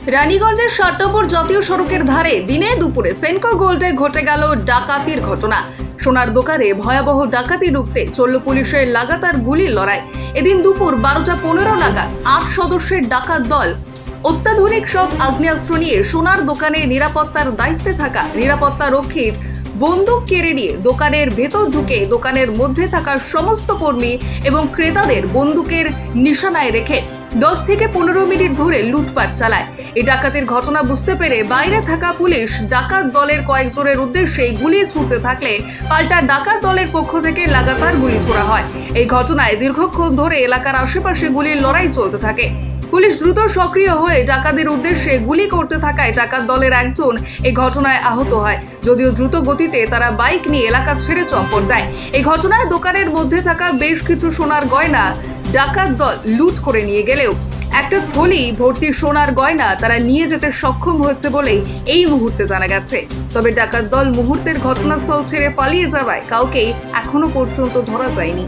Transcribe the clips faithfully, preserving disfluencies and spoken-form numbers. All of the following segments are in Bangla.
রানীগঞ্জের ষাট নম্বর জাতীয় সড়কের ধারে দিনে দুপুরে সেনকো গোল্ডে ঘটে গেল ডাকাতির ঘটনা। সোনার দোকানে ভয়াবহ ডাকাতি রুখতে চলল পুলিশের লাগাতার গুলির লড়াই। এদিন দুপুর বারোটা পনেরো নাগাদ আট সদস্যের ডাকাত দল অত্যাধুনিক সব আগ্নেয়াস্ত্র নিয়ে সোনার দোকানে নিরাপত্তার দায়িত্বে থাকা নিরাপত্তা রক্ষীর বন্দুক কেড়ে নিয়ে দোকানের ভেতর ঢুকে দোকানের মধ্যে থাকা সমস্ত কর্মী এবং ক্রেতাদের বন্দুকের নিশানায় রেখে দশ থেকে পনেরো মিনিট ধরে লুটপাট চালায়। এই ডাকাতির ঘটনা বুঝতে পেরে বাইরে থাকা পুলিশ ডাকাত দলের কয়েকজনের উদ্দেশ্যে গুলি ছুড়তে থাকলে পাল্টা ডাকাত দলের পক্ষ থেকে লাগাতার গুলি ছোড়া হয়। এই ঘটনায় দীর্ঘক্ষণ ধরে এলাকার আশেপাশে গুলির লড়াই চলতে থাকে। পুলিশ দ্রুত সক্রিয় হয়ে ডাকাতের উদ্দেশ্যে গুলি করতে থাকায় ডাকাত দলের একজন এই ঘটনায় আহত হয়। যদিও দ্রুত গতিতে তারা বাইক নিয়ে এলাকা ছেড়ে চম্পট দেয়। এই ঘটনায় দোকানের মধ্যে থাকা বেশ কিছু সোনার গয়না ডাকাত দল লুট করে নিয়ে গেলেও একটা থলি ভর্তি সোনার গয়না তারা নিয়ে যেতে সক্ষম হয়েছে বলেই এই মুহূর্তে জানা গেছে। তবে ডাকাত দল মুহূর্তের ঘটনাস্থল ছেড়ে পালিয়ে যাওয়ায় কাউকেই এখনো পর্যন্ত ধরা যায়নি।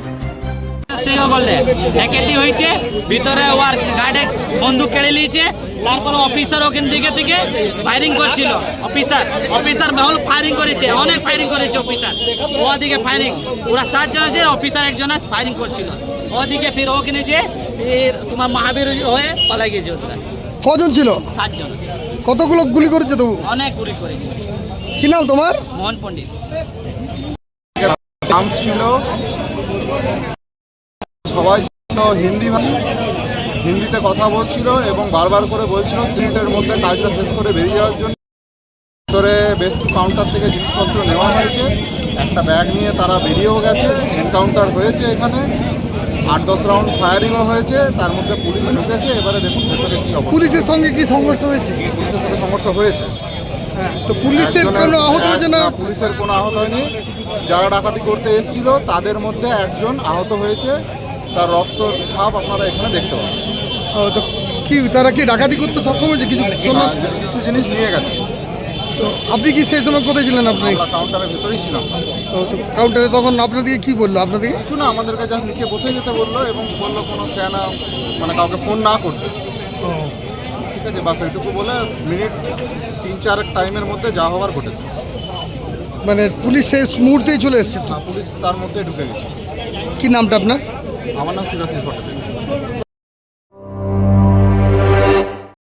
ডাকাতি হয়েছে, ভিতরে ওর গার্ডে বন্দুক কেড়ে নিয়েছে। তারপর অফিসার ওখান দিকে থেকে ফায়ারিং করছিল। অফিসার অফিসার মহল ফায়ারিং করেছে, অনেক ফায়ারিং করেছে অফিসার। ওদিকে ফায়ারিং ওরা সাতজন আছে, অফিসার একজন ফায়ারিং করছিল। ওদিকে ফির ওখানে যে তোমার মহাবীর হয়ে পালাই গেছে। ওরা কজন ছিল? সাতজন। কতগুলো গুলি করেছে তবু? অনেক গুলি করেছে। কি নাম তোমার? মোহন পণ্ডিত। নাম ছিল, সবাই ছিল হিন্দি ভাষী, হিন্দিতে কথা বলছিল এবং বারবার করে বলছিল মিনিটের মধ্যে কাজটা শেষ করে বেরিয়ে যাওয়ার জন্য। ভিতরে বেশ কিছু কাউন্টার থেকে জিনিসপত্র নেওয়া হয়েছে, একটা ব্যাগ নিয়ে তারা বেরিয়েও গেছে। এনকাউন্টার হয়েছে, এখানে আট দশ রাউন্ড ফায়ারিংও হয়েছে, তার মধ্যে পুলিশ ঢুকেছে। এবারে দেখুন ভেতরে কি অবস্থা। পুলিশের সঙ্গে কি সংঘর্ষ হয়েছে? পুলিশের সাথে সমস্যা হয়েছে। তো পুলিশের কোনো আহত হয়েছে না? পুলিশের কোনো আহত হয়নি। যারা ডাকাতি করতে এসেছিল তাদের মধ্যে একজন আহত হয়েছে, তার রক্ত ছাপ আপনারা এখানে দেখতে পাবেন। তো কি তারা কি ডাকাতি করতে সক্ষম হয়েছে? কিছু কিছু জিনিস নিয়ে গেছে। তো আপনি কি সেই সময় কোথায় ছিলেন? আপনি কাউন্টারের ভেতরেই ছিলাম। তো কাউন্টারে তখন আপনাদেরকে কি বললো? আপনাদেরকে কিছু না, আমাদেরকে জাস্ট নিচে বসে যেতে বললো এবং বললো কোনো সেনা মানে কাউকে ফোন না করতে। ঠিক আছে, বাস ওইটুকু বলে মিনিট তিন চার টাইমের মধ্যে যা হওয়ার ঘটেছে। মানে পুলিশ সেই মুহূর্তেই চলে এসছে? পুলিশ তার মধ্যে ঢুকে গেছে। কি নামটা আপনার? আমার নাম শিবাশিস ভট্টাচার্য।